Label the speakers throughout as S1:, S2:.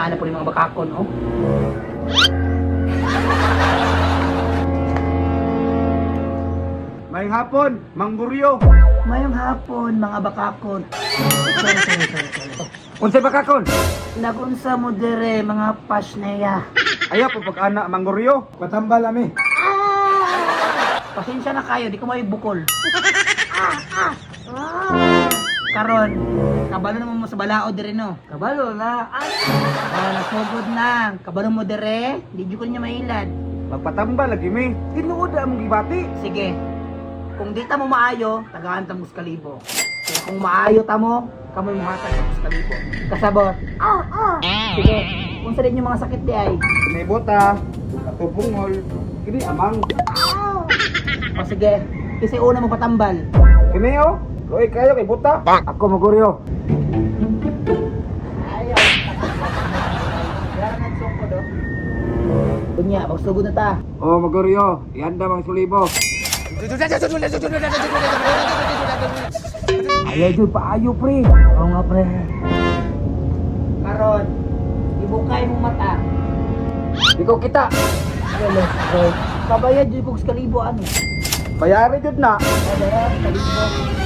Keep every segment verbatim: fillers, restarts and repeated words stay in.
S1: Ana po yung mga bakakon, oh.
S2: Mayang hapon, Mang Buryo.
S1: Mayong hapon, mga bakakon. Sorry, sorry, sorry, sorry.
S2: Unsay bakakon?
S1: Nagunsa mo dire, mga pasneya.
S2: Ayaw po pag-ana, Mang Buryo. Patambal ami.
S1: Pasensya na kayo, di ko may bukol. Karon, kabalo naman mo sa balao dire, no? Kabalo na. Oh, nasugod na. Kabalo mo dire, di ko niya mailad.
S2: Magpatambal lagi mi. Tinuod ang gibati.
S1: Sige, kung di ta mo maayo, tagaan ta mo sa kalibo. Kaya kung maayo ta mo, kamoy mo hatag sa kalibo. Kasabot. Ah, ah. Sige, kung sa din yung mga sakit di ay.
S2: May bota, katubungol. Kini amang.
S1: O sige, kasi una mo patambal.
S2: Kini oh. Loy kayo kay bota. Ako maguryo.
S1: Ayaw. Kaya na nagsungko do. Kunya, magsugod na ta.
S2: Oh, maguryo. Ihanda mang sulibo.
S1: Ayaw dyan, paayo pre. Oo nga pre. Karon, ibukay mo mata.
S2: Ikaw kita.
S1: Wala, bro. Kabayad dyan kung skalibo ano.
S2: Bayari jud na.
S1: Wala, skalibo.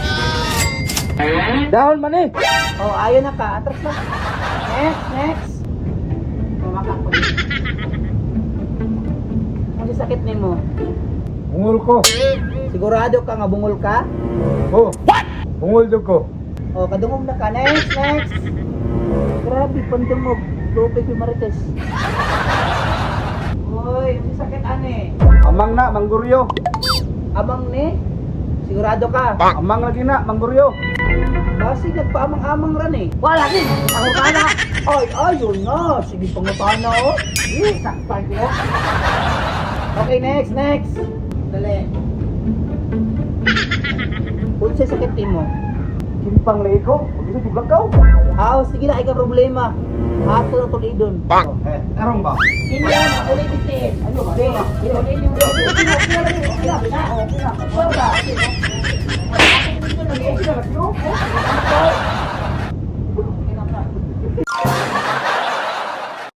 S2: Dahon man eh.
S1: Oh, ayaw na ka. Atras na. Next, next. Mamakak ko dito. Ano sakit ni mo?
S2: Bungol ko.
S1: Sigurado ka nga bungol ka?
S2: Oh. What? Bungol jud ko.
S1: Oh, kadungog na ka. Next, next. Grabe, pandungog. Lupig yung marites. Uy, ano sakit ane?
S2: Amang na, Mangguryo.
S1: Amang ni? Sigurado ka?
S2: Amang lagi na, Mangguryo.
S1: Kasi nagpaamang-amang ran eh. Wala din! Ako ka na! Ay, ayun na! Sige pangutana oh! Eh, sakpan ko! Okay, next, next! Dali! Kung sa'y sakit din mo?
S2: Kimpang leiko. Pagkita juga kau.
S1: Ah, sige na, ikaw problema. Ato na tulidon.
S2: Eh, tarong ba?
S1: Hindi na, ulit itin. Ano ba? Hindi, ulit yung ulit. Okay na, okay na, okay na, okay na. Okay na. Okay na. Okay na. Okay na.